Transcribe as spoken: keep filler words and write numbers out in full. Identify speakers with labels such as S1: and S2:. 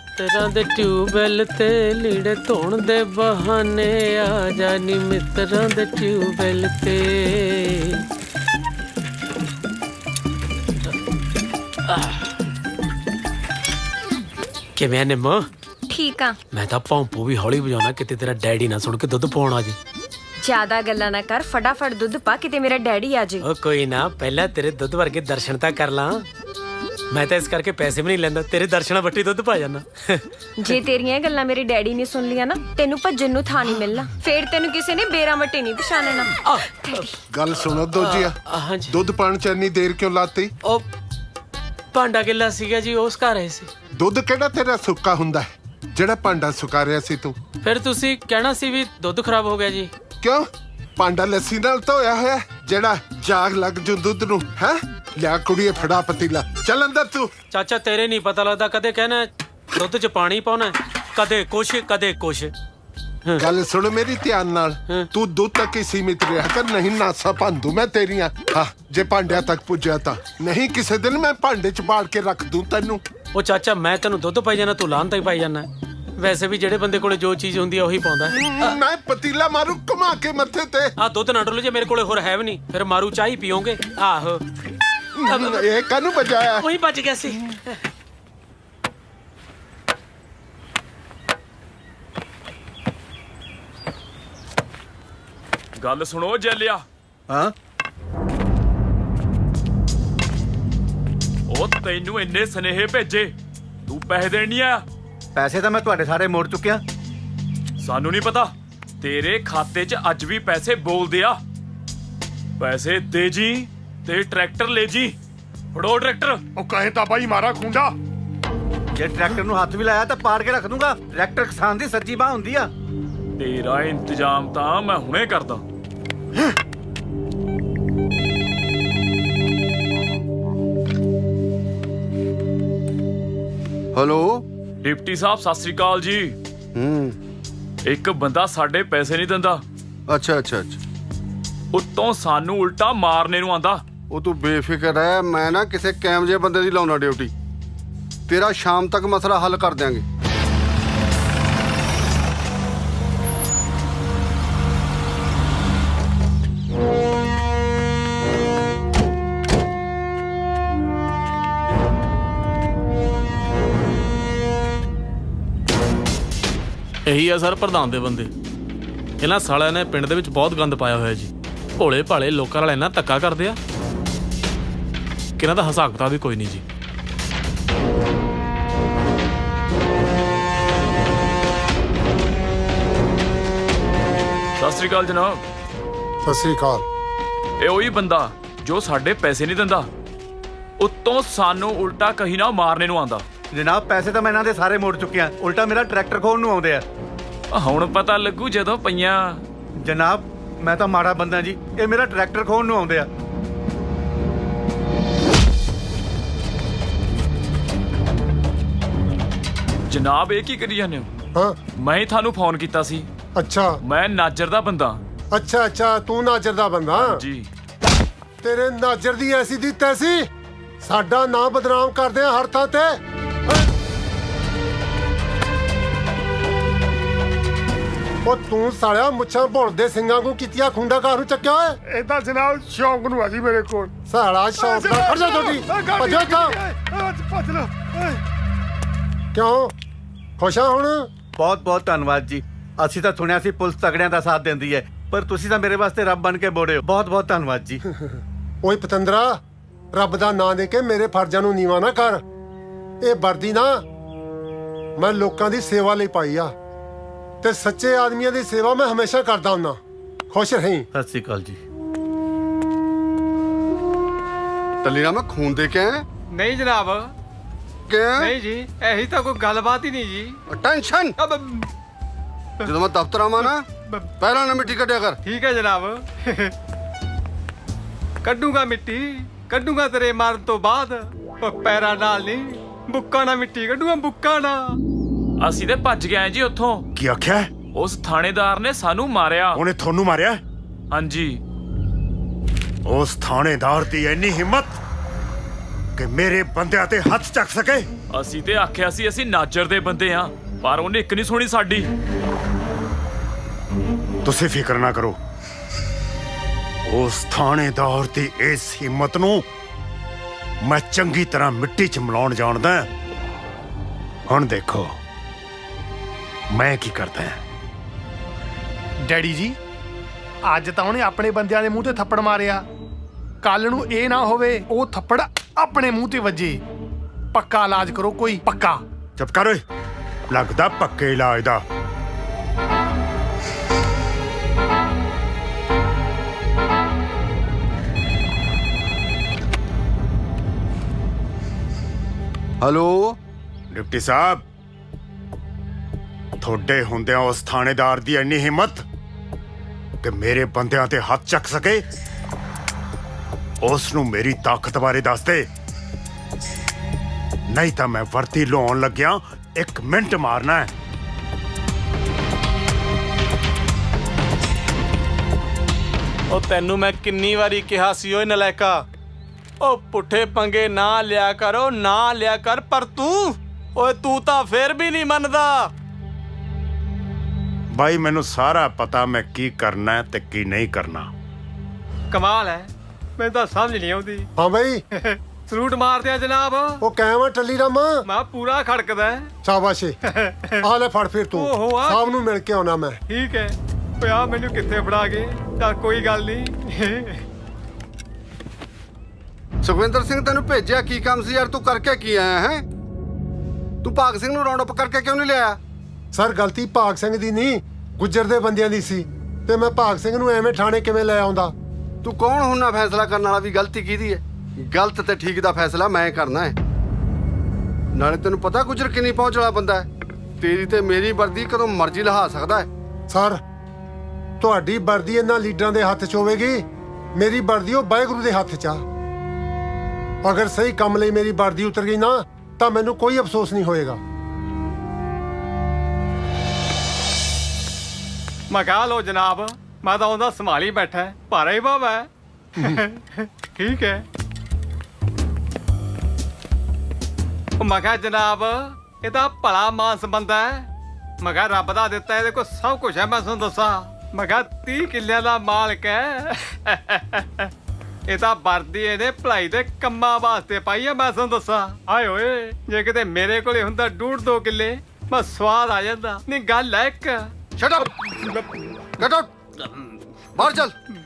S1: ਮਿੱਤਰਾਂ ਦੇ ਟਿਊਬਵੈਲ ਤੇ ਲੀੜੇ ਧੋਣ ਦੇ ਬਹਾਨੇ ਆ ਜਾਨੀ ਮਿੱਤਰਾਂ ਦੇ ਟਿਊਬਵੈਲ ਤੇ। ਕਿਵੇਂ ਨਿੰਮੋ?
S2: ਠੀਕ ਆ।
S1: ਮੈਂ ਤਾਂ ਭੌਂਪੂ ਵੀ ਹੌਲੀ ਵਜਾਉਣਾ ਕਿਤੇ ਤੇਰਾ ਡੈਡੀ ਨਾ ਸੁਣ ਕੇ ਦੁੱਧ ਪਾਉਣ ਆ ਜੇ।
S2: ਜ਼ਿਆਦਾ ਗੱਲਾਂ ਨਾ ਕਰ, ਫਟਾਫਟ ਦੁੱਧ ਪਾ ਕਿਤੇ ਮੇਰਾ ਡੈਡੀ ਆ ਜੇ।
S1: ਉਹ ਕੋਈ ਨਾ, ਪਹਿਲਾਂ ਤੇਰੇ ਦੁੱਧ ਵਰਗੇ ਦਰਸ਼ਨ ਤਾਂ ਕਰ ਲਾਂ। ਮੈਂ ਤਾਂ ਇਸ ਕਰਕੇ ਪੈਸੇ ਵੀ ਨਹੀਂ ਲੈਂਦਾ, ਤੇਰੇ ਦਰਸ਼ਨਾਂ ਵੱਟੀ ਦੁੱਧ ਪਾ ਜਾਣਾ।
S2: ਜੇ ਤੇਰੀਆਂ ਇਹ ਗੱਲਾਂ ਮੇਰੇ ਡੈਡੀ ਨੇ ਸੁਣ ਲਿਆ ਨਾ, ਤੈਨੂੰ ਭੱਜਣ ਨੂੰ ਥਾਂ ਨਹੀਂ ਮਿਲਣਾ। ਫੇਰ ਤੈਨੂੰ ਕਿਸੇ ਨੇ ਬੇਰਾਂ ਵੱਟੇ ਨਹੀਂ ਪਛਾਣਨਾ।
S3: ਗੱਲ ਸੁਣੋ ਦੋਜੀਆ,
S1: ਹਾਂਜੀ।
S3: ਦੁੱਧ ਪਾਣ ਚ ਇੰਨੀ ਦੇਰ ਕਿਉਂ ਲਾਤੀ?
S1: ਉਹ ਭਾਂਡਾ ਗਿੱਲਾ ਸੀਗਾ ਜੀ, ਉਸ ਘਰ ਆਏ ਸੀ।
S3: ਦੁੱਧ ਕਿਹੜਾ ਤੇਰਾ ਸੁੱਕਾ ਹੁੰਦਾ ਹੈ ਜਿਹੜਾ ਭਾਂਡਾ ਸੁਕਾ ਰਿਆ ਸੀ ਤੂੰ?
S1: ਫਿਰ ਤੁਸੀਂ ਕਹਿਣਾ ਸੀ ਵੀ ਦੁੱਧ ਖਰਾਬ ਹੋ ਗਿਆ ਜੀ।
S3: ਕਿਉਂ? ਭਾਂਡਾ ਲੱਸੀ ਨਾਲ ਧੋਇਆ ਹੋਇਆ ਜਿਹੜਾ ਜਾਗ ਲੱਗ ਜੂ ਦੁੱਧ ਨੂੰ ਹੈ? ਲਿਆ ਕੁੜੀਏ ਫੜਾ ਪਤੀਲਾ, ਚੱਲ ਅੰਦਰ ਤੂੰ।
S1: ਚਾਚਾ ਤੇਰੇ ਨਹੀਂ ਪਤਾ ਲੱਗਦਾ, ਕਦੇ ਕਹਿਣਾ ਦੁੱਧ 'ਚ ਪਾਣੀ ਪਾਉਣਾ, ਕਦੇ ਕੁਛ ਕਦੇ ਕੁਛ।
S3: ਗੱਲ ਸੁਣ ਮੇਰੀ ਧਿਆਨ ਨਾਲ, ਤੂੰ ਦੁੱਧ ਤੱਕ ਹੀ ਸੀਮਿਤ ਰਿਹਾ ਕਰ, ਨਹੀਂ ਨਾਸਾ ਭੰਦੂ ਮੈਂ ਤੇਰੀਆਂ। ਹਾਂ, ਜੇ ਭਾਂਡਿਆਂ ਤੱਕ ਪੁੱਜਿਆ ਤਾਂ ਨਹੀਂ ਕਿਸੇ ਦਿਨ ਮੈਂ ਭਾਂਡੇ 'ਚ ਬਾੜ ਕੇ ਰੱਖ ਦੂੰ ਤੈਨੂੰ।
S1: ਉਹ ਚਾਚਾ ਮੈਂ ਤੈਨੂੰ ਦੁੱਧ ਪਾਈ ਜਾਣਾ, ਤੂੰ ਲਾਹਨਤ ਹੀ ਪਾਈ ਜਾਣਾ। ਵੈਸੇ ਵੀ ਜਿਹੜੇ ਬੰਦੇ ਕੋਲੇ ਜੋ ਚੀਜ਼ ਹੁੰਦੀ ਆ ਉਹੀ ਪਾਉਂਦਾ।
S3: ਮੈਂ ਪਤੀਲਾ ਮਾਰੂ ਘੁਮਾ ਕੇ ਮੱਥੇ ਤੇ।
S1: ਆ ਦੁੱਧ ਨਾ ਡੋਲੋ, ਜੇ ਮੇਰੇ ਕੋਲੇ ਹੋਰ ਹੈ ਵੀ ਨਹੀਂ ਫਿਰ ਮਾਰੂ ਚਾਹ ਹੀ ਪੀਓਗੇ। ਆਹੋ
S3: ਇਹ ਕਾਹਨੂੰ ਬਜਾਇਆ?
S1: ਉਹੀ ਬਚ ਗਿਆ ਸੀ।
S4: ਗੱਲ ਸੁਣੋ ਜੈਲਿਆ।
S5: ਹਾਂ,
S4: ਉਹ ਤੈਨੂੰ ਇੰਨੇ ਸਨੇਹੇ ਭੇਜੇ, ਤੂੰ ਪੈਸੇ ਦੇਣ ਨਹੀਂ ਆਇਆ?
S5: ਪੈਸੇ ਤਾਂ ਮੈਂ ਤੁਹਾਡੇ ਸਾਰੇ ਮੋੜ ਚੁੱਕਿਆ।
S4: ਸਾਨੂੰ ਨਹੀਂ ਪਤਾ, ਤੇਰੇ ਖਾਤੇ 'ਚ ਅੱਜ ਵੀ ਪੈਸੇ ਬੋਲਦੇ ਆ। ਪੈਸੇ ਦੇ ਜੀ ਤੇ ਟਰੈਕਟਰ ਲੈ ਜੀ। ਫੜੋ ਟਰੈਕਟਰ।
S6: ਉਹ ਕਹੇ ਤਾਂ ਬਾਈ ਮਾਰਾ ਖੁੰਡਾ।
S5: ਜੇ ਟਰੈਕਟਰ ਨੂੰ ਹੱਥ ਵੀ ਲਾਇਆ ਤਾਂ ਪਾੜ ਕੇ ਰੱਖ ਦੂੰਗਾ। ਟਰੈਕਟਰ ਕਿਸਾਨ ਦੀ ਸੱਜੀ ਬਾਹ ਹੁੰਦੀ ਆ।
S4: ਤੇਰਾ ਇੰਤਜ਼ਾਮ ਤਾਂ ਮੈਂ ਹੁਣੇ ਕਰਦਾ।
S6: ਹੈਲੋ।
S4: ਡਿਪਟੀ ਸਾਹਿਬ ਸਤਿ ਸ੍ਰੀ ਅਕਾਲ ਜੀ।
S6: ਹੂੰ। ਇੱਕ
S4: ਬੰਦਾ ਸਾਡੇ ਪੈਸੇ ਨਹੀਂ ਦਿੰਦਾ,
S6: ਅੱਛਾ ਅੱਛਾ ਅੱਛਾ।
S4: ਉੱਤੋਂ ਸਾਨੂੰ ਉਲਟਾ ਮਾਰਨੇ ਨੂੰ ਆਂਦਾ।
S6: ਉਹ ਤੂੰ ਬੇਫਿਕਰ ਰਹਿ, ਮੈਂ ਨਾ ਕਿਸੇ ਕੈਮ ਜਿਹੇ ਬੰਦੇ ਦੀ ਲਾਉਣਾ ਡਿਊਟੀ। ਤੇਰਾ ਸ਼ਾਮ ਤੱਕ ਮਸਲਾ ਹੱਲ ਕਰ ਦਿਆਂਗੇ।
S7: ਇਹੀ ਆ ਸਰ ਪ੍ਰਧਾਨ ਦੇ ਬੰਦੇ। ਇਹਨਾਂ ਸਾਲਿਆਂ ਨੇ ਪਿੰਡ ਦੇ ਵਿੱਚ ਬਹੁਤ ਗੰਦ ਪਾਇਆ ਹੋਇਆ ਜੀ। ਭੋਲੇ ਭਾਲੇ ਲੋਕਾਂ ਨਾਲ ਇੰਨਾ ਧੱਕਾ ਕਰਦੇ ਆ ਕਿ ਇਹਨਾਂ ਦਾ ਹਿਸਾਬ ਕਿਤਾਬ ਵੀ ਕੋਈ ਨਹੀਂ ਜੀ।
S4: ਸਤਿ ਸ੍ਰੀ ਅਕਾਲ ਜਨਾਬ।
S3: ਸਤਿ ਸ੍ਰੀ ਅਕਾਲ।
S4: ਇਹ ਉਹੀ ਬੰਦਾ ਜੋ ਸਾਡੇ ਪੈਸੇ ਨਹੀਂ ਦਿੰਦਾ, ਉੱਤੋਂ ਸਾਨੂੰ ਉਲਟਾ ਕਹੀ ਨਾ ਮਾਰਨੇ ਨੂੰ ਆਂਦਾ।
S5: ਜਨਾਬ ਪੈਸੇ ਤਾਂ ਮੈਂ ਇਹਨਾਂ ਦੇ ਸਾਰੇ ਮੋੜ ਚੁੱਕਿਆ, ਉਲਟਾ ਮੇਰਾ ਟਰੈਕਟਰ ਖੋਣ ਨੂੰ ਆਉਂਦੇ ਆ।
S4: ਹੁਣ ਪਤਾ ਲੱਗੂ ਜਦੋਂ ਪਈਆਂ।
S5: ਜਨਾਬ ਮੈਂ ਤਾਂ ਮਾੜਾ ਬੰਦਾ ਜੀ, ਇਹ ਮੇਰਾ ਟਰੈਕਟਰ ਖੋਣ ਨੂੰ ਆਉਂਦੇ ਆ।
S4: ਜਨਾਬ ਇਹ ਕੀ ਕਰੀ ਜਾਂਦੇ ਹੋ?
S3: ਹਾਂ,
S4: ਮੈਂ ਹੀ ਤੁਹਾਨੂੰ ਫੋਨ ਕੀਤਾ ਸੀ।
S3: ਅੱਛਾ
S4: ਮੈਂ ਨਾਜਰ ਦਾ ਬੰਦਾ।
S3: ਅੱਛਾ ਅੱਛਾ, ਤੂੰ ਨਾਜਰ ਦਾ ਬੰਦਾ?
S4: ਜੀ।
S3: ਤੇਰੇ ਨਾਜਰ ਦੀ ਐਸੀ ਦੀ ਤੈਸੀ, ਸਾਡਾ ਨਾਂ ਬਦਨਾਮ ਕਰਦੇ ਆ ਹਰ ਥਾਂ ਤੇ। ਉਹ ਤੂੰ ਸਾਲਿਆ ਮੁੱਛਾਂ ਭੁੱਲਦੇ ਸਿੰਘਾਂ ਨੂੰ ਕੀਤੀਆਂ ਖੁੰਡਾ ਕਾਹਨੂੰ ਚੱਕਿਆ ਓਏ?
S6: ਇਹ ਤਾਂ ਜਨਾਬ ਸ਼ੌਂਕ ਨੂੰ ਆ ਜੀ ਮੇਰੇ ਕੋਲ।
S3: ਸਾਲਾ ਸ਼ੌਂਕ ਨਾਲ ਖੜ ਜਾ ਤੁਹਾਡੀ ਭੱਜੋ ਤਾਂ।
S6: ਭੱਜ ਲੋ।
S3: ਕਿਉਂ ਖੁਸ਼ ਆ ਹੁਣ?
S5: ਬਹੁਤ ਬਹੁਤ ਧੰਨਵਾਦ ਜੀ। ਅਸੀਂ ਤਾਂ ਸੁਣਿਆ ਸੀ ਪੁਲਿਸ ਤਗੜਿਆਂ ਦਾ ਸਾਥ ਦਿੰਦੀ ਹੈ, ਪਰ ਤੁਸੀਂ ਤਾਂ ਮੇਰੇ ਵਾਸਤੇ ਰੱਬ ਬਣ ਕੇ ਬੋੜੇ ਹੋ। ਬਹੁਤ ਬਹੁਤ ਧੰਨਵਾਦ ਜੀ।
S3: ਓਏ ਪਤੰਦਰਾ, ਰੱਬ ਦਾ ਨਾਂ ਦੇ ਕੇ ਮੇਰੇ ਫਰਜ਼ਾਂ ਨੂੰ ਨੀਵਾਂ ਨਾ ਕਰ। ਇਹ ਵਰਦੀ ਨਾ ਮੈਂ ਲੋਕਾਂ ਦੀ ਸੇਵਾ ਲਈ ਪਾਈ ਆ, ਤੇ ਸੱਚੇ ਆਦਮੀਆਂ ਦੀ ਸੇਵਾ ਮੈਂ ਹਮੇਸ਼ਾ ਕਰਦਾ ਹੁੰਦਾ। ਖੁਸ਼ ਰਹੀਂ।
S5: ਸਤਿ ਸ੍ਰੀ ਅਕਾਲ ਜੀ।
S6: ਟੱਲੀ ਨਾ ਮੈਂ ਖੂਨ ਦੇ ਕੇ ਆਇਆ।
S8: ਨਹੀਂ ਜਨਾਬ,
S6: ਕਿ
S8: ਨਹੀਂ ਜੀ, ਇਹੀ ਤਾਂ ਕੋਈ ਗੱਲਬਾਤ ਹੀ ਨਹੀਂ ਜੀ।
S6: ਟੈਨਸ਼ਨ।
S8: ਅਬ
S6: ਜਦੋਂ ਮੈਂ ਦਫ਼ਤਰ ਆਵਾਂ ਨਾ, ਪਹਿਲਾਂ ਨਾ ਮਿੱਟੀ ਕੱਢਿਆ ਕਰ।
S8: ਠੀਕ ਹੈ ਜਨਾਬ। ਕੱਢੂਗਾ ਮਿੱਟੀ, ਕੱਢੂਗਾ ਤੇਰੇ ਮਾਰਨ ਤੋਂ ਬਾਅਦ। ਉਹ ਪੈਰਾਂ ਨਾਲ ਨਹੀਂ, ਬੁੱਕਾਂ ਨਾਲ ਮਿੱਟੀ ਕੱਢੂਗਾ, ਬੁੱਕਾਂ ਨਾਲ।
S4: ਅਸੀਂ ਤੇ ਭੱਜ ਗਏ ਜੀ ਉੱਥੋਂ।
S9: ਕੀ ਆਖਿਆ?
S4: ਉਸ ਥਾਣੇਦਾਰ ਨੇ ਸਾਨੂੰ ਮਾਰਿਆ।
S9: ਉਹਨੇ ਤੁਹਾਨੂੰ ਮਾਰਿਆ?
S4: ਹਾਂਜੀ।
S9: ਉਸ ਥਾਣੇਦਾਰ ਦੀ ਇੰਨੀ ਹਿੰਮਤ ਕਿ ਮੇਰੇ ਬੰਦਿਆਂ ਤੇ ਹੱਥ ਚੱਕ ਸਕੇ।
S4: ਅਸੀਂ ਤੇ ਆਖਿਆ ਸੀ ਅਸੀਂ ਨਾਜਰ ਦੇ ਬੰਦੇ ਆ, ਪਰ ਉਹਨੇ ਇੱਕ ਨਹੀਂ ਸੁਣੀ ਸਾਡੀ।
S9: ਤੁਸੀਂ ਫਿਕਰ ਨਾ ਕਰੋ, ਉਸ ਥਾਣੇਦਾਰ ਦੀ ਇਸ ਹਿੰਮਤ ਨੂੰ ਮੈਂ ਚੰਗੀ ਤਰ੍ਹਾਂ ਮਿੱਟੀ 'ਚ ਮਿਲਾਉਣ ਜਾਣਦਾ। ਹੁਣ ਦੇਖੋ ਮੈਂ ਕੀ ਕਰਦਾ ਹਾਂ।
S10: ਡੈਡੀ ਜੀ, ਅੱਜ ਤਾਂ ਉਹਨੇ ਆਪਣੇ ਬੰਦਿਆਂ ਦੇ ਮੂੰਹ ਤੇ ਥੱਪੜ ਮਾਰਿਆ, ਕੱਲ ਨੂੰ ਇਹ ਨਾ ਹੋਵੇ ਉਹ ਥੱਪੜ ਆਪਣੇ ਮੂੰਹ ਤੇ ਵੱਜੇ। ਪੱਕਾ ਇਲਾਜ ਕਰੋ ਕੋਈ, ਪੱਕਾ।
S9: ਚੁੱਪ ਕਰ ਓਏ, ਲੱਗਦਾ ਪੱਕੇ ਇਲਾਜ ਦਾ।
S6: ਹੈਲੋ
S9: ਡਿਪਟੀ ਸਾਹਿਬ, ਤੁਹਾਡੇ ਹੁੰਦਿਆਂ ਉਸ ਥਾਣੇਦਾਰ ਦੀ ਇੰਨੀ ਹਿੰਮਤ ਕਿ ਮੇਰੇ ਬੰਦਿਆਂ ਤੇ ਹੱਥ ਚੱਕ ਸਕੇ? ਉਸ ਨੂੰ ਮੇਰੀ ਤਾਕਤ ਬਾਰੇ ਦੱਸ ਦੇ, ਨਹੀਂ ਤਾਂ ਮੈਂ ਵਰਤੀ ਲਾਉਣ ਲੱਗਿਆ ਇੱਕ ਮਿੰਟ ਮਾਰਨਾ ਹੈ।
S7: ਉਹ ਤੈਨੂੰ ਮੈਂ ਕਿੰਨੀ ਵਾਰੀ ਕਿਹਾ ਸੀ ਓਏ ਨਲਾਇਕਾ, ਉਹ ਪੁੱਠੇ ਪੰਗੇ ਨਾ ਲਿਆ ਕਰੋ, ਨਾ ਲਿਆ ਕਰ, ਪਰ ਤੂੰ ਓਏ ਤੂੰ ਤਾਂ ਫੇਰ ਵੀ ਨਹੀਂ ਮੰਨਦਾ।
S9: ਬਾਈ ਮੈਨੂੰ ਸਾਰਾ ਪਤਾ ਮੈਂ ਕੀ ਕਰਨਾ ਹੈ ਤੇ ਕੀ ਨਹੀਂ ਕਰਨਾ।
S8: ਕਮਾਲ ਹੈ, ਮੈਨੂੰ ਤਾਂ ਸਮਝ ਨਹੀਂ ਆਉਂਦੀ।
S3: ਹਾਂ ਬਈ,
S8: ਸਲੂਟ ਮਾਰਦੇ ਆ ਜਨਾਬ।
S3: ਉਹ ਕਾਇਮ ਆ ਟੱਲੀ ਰਾਮਾ।
S8: ਮੈਂ ਪੂਰਾ ਖੜਕਦਾ ਹੈ।
S3: ਸ਼ਾਬਾਸ਼ ਏ। ਆ ਲੈ ਫੜ ਫਿਰ ਤੂੰ,
S8: ਓਹੋ, ਆ
S3: ਸਾਹਿਬ ਨੂੰ ਮਿਲ ਕੇ ਆਉਣਾ ਮੈਂ।
S8: ਠੀਕ ਹੈ, ਪਿਆ ਮੈਨੂੰ ਕਿੱਥੇ ਫੜਾ ਗਏ, ਤਾਂ ਕੋਈ ਗੱਲ ਨਹੀਂ।
S6: ਸੁਖਵਿੰਦਰ ਸਿੰਘ ਤੈਨੂੰ ਭੇਜਿਆ ਕੀ ਕੰਮ ਸੀ ਯਾਰ? ਤੂੰ ਕਰਕੇ ਕੀ ਆਇਆ ਹੈ? ਤੂੰ ਭਾਗ ਸਿੰਘ ਨੂੰ ਰਾਉਂਡ ਅਪ ਕਰਕੇ ਕਿਉਂ ਨਹੀਂ ਲਿਆਇਆ?
S3: ਸਰ ਗਲਤੀ ਭਾਗ ਸਿੰਘ ਦੀ ਨਹੀਂ, ਗੁੱਜਰ ਦੇ ਬੰਦਿਆਂ ਦੀ ਸੀ, ਤੇ ਮੈਂ ਭਾਗ ਸਿੰਘ ਨੂੰ ਐਵੇਂ ਥਾਣੇ ਕਿਵੇਂ ਲੈ ਆਉਂਦਾ?
S6: ਤੂੰ ਕੌਣ ਹੁੰਨਾ ਫੈਸਲਾ ਕਰਨ ਵਾਲਾ ਵੀ ਗਲਤੀ ਕਿਹਦੀ ਹੈ? ਗਲਤ ਤੇ ਠੀਕ ਦਾ ਫੈਸਲਾ ਮੈਂ ਕਰਨਾ ਹੈ। ਨਾਲੇ ਤੈਨੂੰ ਪਤਾ ਗੁੱਜਰ ਕਿੰਨੀ ਪਹੁੰਚ ਵਾਲਾ ਬੰਦਾ ਹੈ। ਤੇਰੀ ਤੇ ਮੇਰੀ ਵਰਦੀ ਕਦੋਂ ਮਰਜ਼ੀ ਲਹਾ ਸਕਦਾ ਹੈ।
S3: ਸਰ ਤੁਹਾਡੀ ਵਰਦੀ ਇਹਨਾਂ ਲੀਡਰਾਂ ਦੇ ਹੱਥ 'ਚ ਹੋਵੇਗੀ, ਮੇਰੀ ਵਰਦੀ ਉਹ ਵਾਹਿਗੁਰੂ ਦੇ ਹੱਥ 'ਚ ਆ। ਅਗਰ ਸਹੀ ਕੰਮ ਲਈ ਮੇਰੀ ਵਰਦੀ ਉਤਰ ਗਈ ਨਾ ਤਾਂ ਮੈਨੂੰ ਕੋਈ ਅਫਸੋਸ ਨਹੀਂ ਹੋਏਗਾ।
S8: ਮੈਂ ਕਹਾ ਲੋ ਜਨਾਬ, ਮੈਂ ਤਾਂ ਉਹਦਾ ਸੰਭਾਲੀ ਬੈਠਾ, ਭਾਰਾ ਹੀ ਬਾਬਾ ਹੈ। ਠੀਕ ਹੈ। ਉਹ ਮੈਂ ਕਿਹਾ ਜਨਾਬ, ਇਹ ਤਾਂ ਭਲਾ ਮਾਨਸ ਬੰਦਾ ਹੈ। ਮੈਂ ਕਿਹਾ ਰੱਬ ਦਾ ਦਿੱਤਾ, ਇਹਦੇ ਕੋਲ ਸਭ ਕੁਝ ਹੈ। ਮੈਂ ਤੁਹਾਨੂੰ ਦੱਸਾਂ, ਮੈਂ ਕਿਹਾ ਤੀਹ ਕਿੱਲਿਆਂ ਦਾ ਮਾਲਕ ਹੈ। ਇਹ ਤਾਂ ਵਰਦੀ ਇਹਨੇ ਭਲਾਈ ਦੇ ਕੰਮਾਂ ਵਾਸਤੇ ਪਾਈ ਆ। ਮੈਂ ਤੁਹਾਨੂੰ ਦੱਸਾਂ, ਆਏ ਓਏ, ਜੇ ਕਿਤੇ ਮੇਰੇ ਕੋਲੇ ਹੁੰਦਾ ਡੂਢ ਦੋ ਕਿੱਲੇ, ਮੈਂ ਸਵਾਦ ਆ ਜਾਂਦਾ। ਨਹੀਂ ਗੱਲ ਹੈ ਇੱਕ।
S6: ਸ਼ਟ ਅਪ, ਗੈਟ ਆਊਟ, ਬਾਹਰ ਚੱਲ।